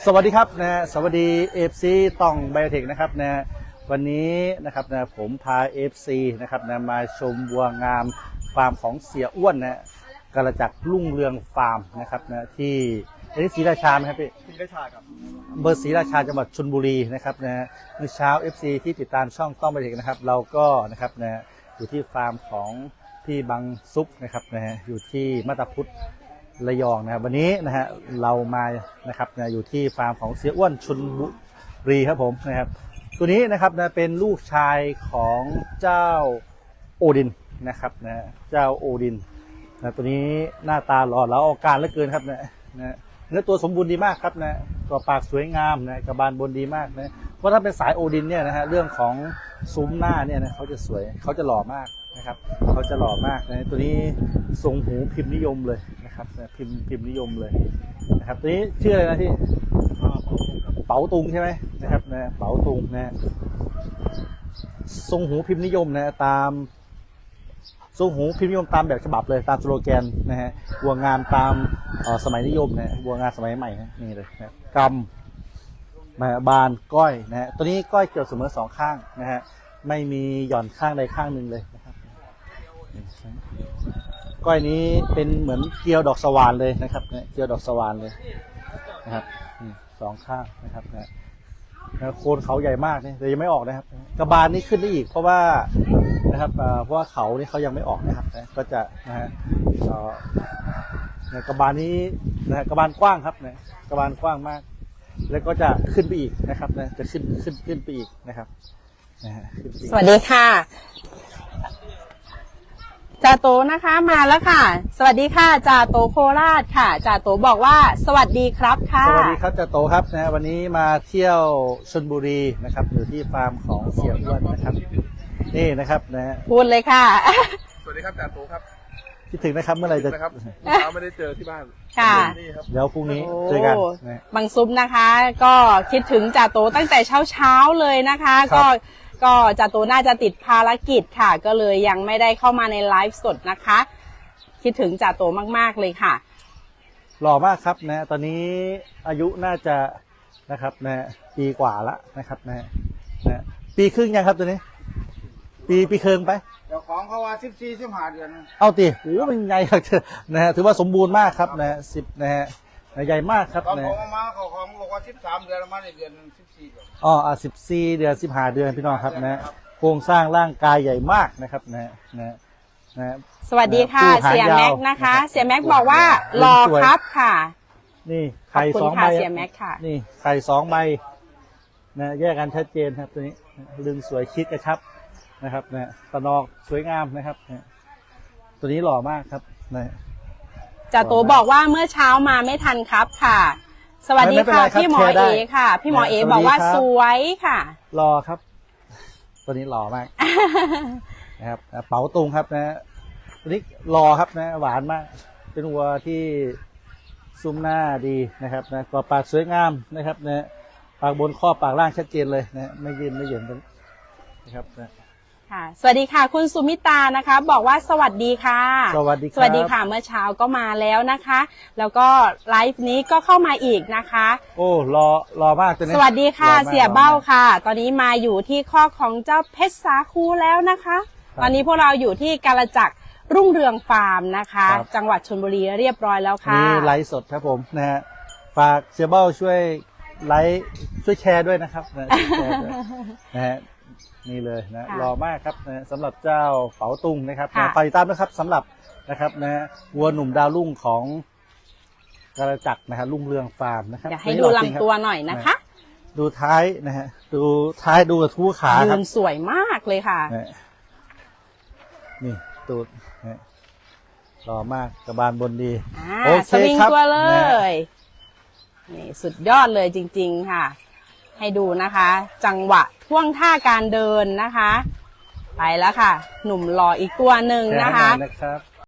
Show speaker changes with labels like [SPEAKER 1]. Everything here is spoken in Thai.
[SPEAKER 1] สวัสดีครับนะสวัสดีเอฟซีต้องไบโอเทคนะครับนะวันนี้นะครับนะผมพาเอฟซีนะครับนะมาชมวัวงามฟาร์มของเสียอ้วนนะกระจักรุ่งเรืองฟาร์มนะครับนะที่ศรีราชาไหมครับพี่
[SPEAKER 2] ศรีราชาครับ
[SPEAKER 1] เบอร์ศรีราชาจังหวัดชลบุรีนะครับนะเมื่อเช้า FC ที่ติดตามช่องต้องไบโอเทคนะครับเราก็นะครับนะอยู่ที่ฟาร์มของพี่บังซุปนะครับนะอยู่ที่มาตาพุทธระยองนะครับวันนี้นะฮะเรามานะครับนะอยู่ที่ฟาร์มของเสียอ้วนชลบุรีครับผมนะครับตัวนี้นะครับนะเป็นลูกชายของเจ้าโอดินนะครับนะเจ้าโอดินนะตัวนี้หน้าตาหล่อเหลาเอาการเหลือเกินครับนะเนื้อตัวสมบูรณ์ดีมากครับนะตัวปากสวยงามนะกระบาลบนดีมากนะเพราะถ้าเป็นสายโอดินเนี่ยนะฮะเรื่องของซุ้มหน้าเนี่ยนะเขาจะสวยเขาจะหล่อมากนะครับเขาจะหล่อมากนะตัวนี้ทรงหูพิมพ์นิยมเลยนะครับพิมพ์นิยมเลยนะครับตัวนี้ชื่ออะไรนะที่เป๋าตุงใช่ไหมนะครับนะเป๋าตุงนะทรงหูพิมพ์นิยมนะตามทรงหูพิมพ์นิยมตามแบบฉบับเลยตามสโลแกนนะฮะวัวงามตามสมัยนิยมนะวัวงามสมัยใหม่นะนี่เลยนะกำบานก้อยนะฮะตัวนี้ก้อยเกี่ยวเสมอสองข้างนะฮะไม่มีหย่อนข้างใดข้างหนึ่งเลยนะครับก้อยนี้เป็นเหมือนเกลียวดอกสว่านเลยนะครับเกลียวดอกสว่านเลยนะครับสองข้างนะครับนะโคนเขาใหญ่มากเนี่ยแต่ยังไม่ออกนะครับกระบาลนี้ขึ้นได้อีกเพราะว่านะครับเพราะว่าเขานี่เขายังไม่ออกนะครับก็จะนะฮะกระบาลนี้นะกระบาลกว้างครับนะกระบาลกว้างมากแล้วก็จะขึ้นไปอีกนะครับนะจะขึ้นไปอีกนะครับ
[SPEAKER 3] สวัสดีค่ะจ่าโตนะคะมาแล้วค่ะสวัสดีค่ะจ่าโตโคราชค่ะจ่าโตบอกว่าสวัสดีครับค่ะ
[SPEAKER 1] สวัสดีครับจ่าโตครับนะวันนี้มาเที่ยวชลบุรีนะครับอยู่ที่ฟาร์มของเสียอ้วนนะครับนี่นะครับนะ
[SPEAKER 3] พูดเลยค่ะ
[SPEAKER 2] สวัสดีครับจ่าโตครับ
[SPEAKER 1] คิดถึงนะครับเมื่อไหร่จะ
[SPEAKER 2] นะครับไม่ได้เจอที่บ้าน
[SPEAKER 3] ค่ะ
[SPEAKER 1] เดี๋ยวพรุ่งนี้เจอกัน
[SPEAKER 3] บางซุปนะคะก็คิดถึงจ่าโตตั้งแต่เช้าเลยนะคะก็จ่าโตน่าจะติดภารกิจค่ะก็เลยยังไม่ได้เข้ามาในไลฟ์สดนะคะคิดถึงจ่าโตมากๆเลยค่ะ
[SPEAKER 1] หล่อมากครับนะตอนนี้อายุน่าจะนะครับนะปีกว่าละนะครับนะปีครึ่งยังครับตัวนี้ปีครึ่งไป
[SPEAKER 2] เจ้าของเขาว่า14-15 เดือน
[SPEAKER 1] เอาตีโอ้เป็นใหญ่ครับนะฮะถือว่าสมบูรณ์มากครับนะ10นะฮะใหญ่มากครับ
[SPEAKER 2] นะเขาของบอกว่า13 เดือนมาในเดือน14 เดือน
[SPEAKER 1] 14 เดือน15 เดือนพี่น้องครับนะโครงสร้างร่างกายใหญ่มากนะครับนะ
[SPEAKER 3] สวัสดีค่ะเสียแม็กนะคะเสียแม็กบอกว่ารอครับค่ะ
[SPEAKER 1] นี่ไข่2 ใบ
[SPEAKER 3] เสียแม็กค่ะ
[SPEAKER 1] นี่ไข่2 ใบนะแยกกันชัดเจนครับตัวนี้ลึงสวยชิดกระชับนะครับนะตะนอกสวยงามนะครับตัวนี้หล่อมากครับนะ
[SPEAKER 3] จ่าโตบอกว่าเมื่อเช้ามาไม่ทันครับค่ะสวัสดีค่ะพี่หมอเอค่ะพี่หมอเอบอกว่าสวยค่ะ
[SPEAKER 1] รอครับตัวนี้หล่อมากนะครับเป๋าตุงครับนะตัวนี้รอครับนะหวานมากเป็นวัวที่ซุ้มหน้าดีนะครับนะกรอบปากสวยงามนะครับนะปากบนข้อปากล่างชัดเจนเลยนะไม่ยืนไม่เหยินนะครับนะ
[SPEAKER 3] ค่ะสวัสดีค่ะคุณสุมิตานะคะบอกว่าสวัสดีค่ะ
[SPEAKER 1] สวัสดี
[SPEAKER 3] ค่ะเมื่อเช้าก็มาแล้วนะคะแล้วก็ไลฟ์นี้ก็เข้ามาอีกนะคะ
[SPEAKER 1] โอ้รอมากตัวนี้
[SPEAKER 3] สวัสดีค่ะเสียเบ้าค่ะตอนนี้มาอยู่ที่ข้อของเจ้าเพชรสาคูแล้วนะคะตอนนี้พวกเราอยู่ที่กาลจักรรุ่งเรืองฟาร์มนะคะจังหวัดชลบุรีเรียบร้อยแล้วค่ะ
[SPEAKER 1] นี่ไลฟ์สดครับผมนะฮะฝากเสียเบ้าช่วยไลฟ์ช่วยแชร์ด้วยนะครับนะฮะนี่เลยนะรอมากครับนะสำหรับเจ้าเป๋าตุงนะครับไปตามนะครับสำหรับนะครับนะวัวหนุ่มดาวรุ่งของกาลจักรนะฮะรุ่งเรืองฟาร์มนะครับ
[SPEAKER 3] อยากให้ดูลำตัวหน่อยนะคะ
[SPEAKER 1] ดูท้ายนะฮะดูท้ายดูทู่ขาครับ
[SPEAKER 3] สวยมากเลยค่ะ
[SPEAKER 1] นี่ตูดรอมากกระบาลบนดี
[SPEAKER 3] โอเคครับตัวเลยนี่สุดยอดเลยจริงๆค่ะให้ดูนะคะจังหวะท่วงท่าการเดินนะคะไปแล้วค่ะหนุ่มหล่ออีกตัวหนึ่งนะคะ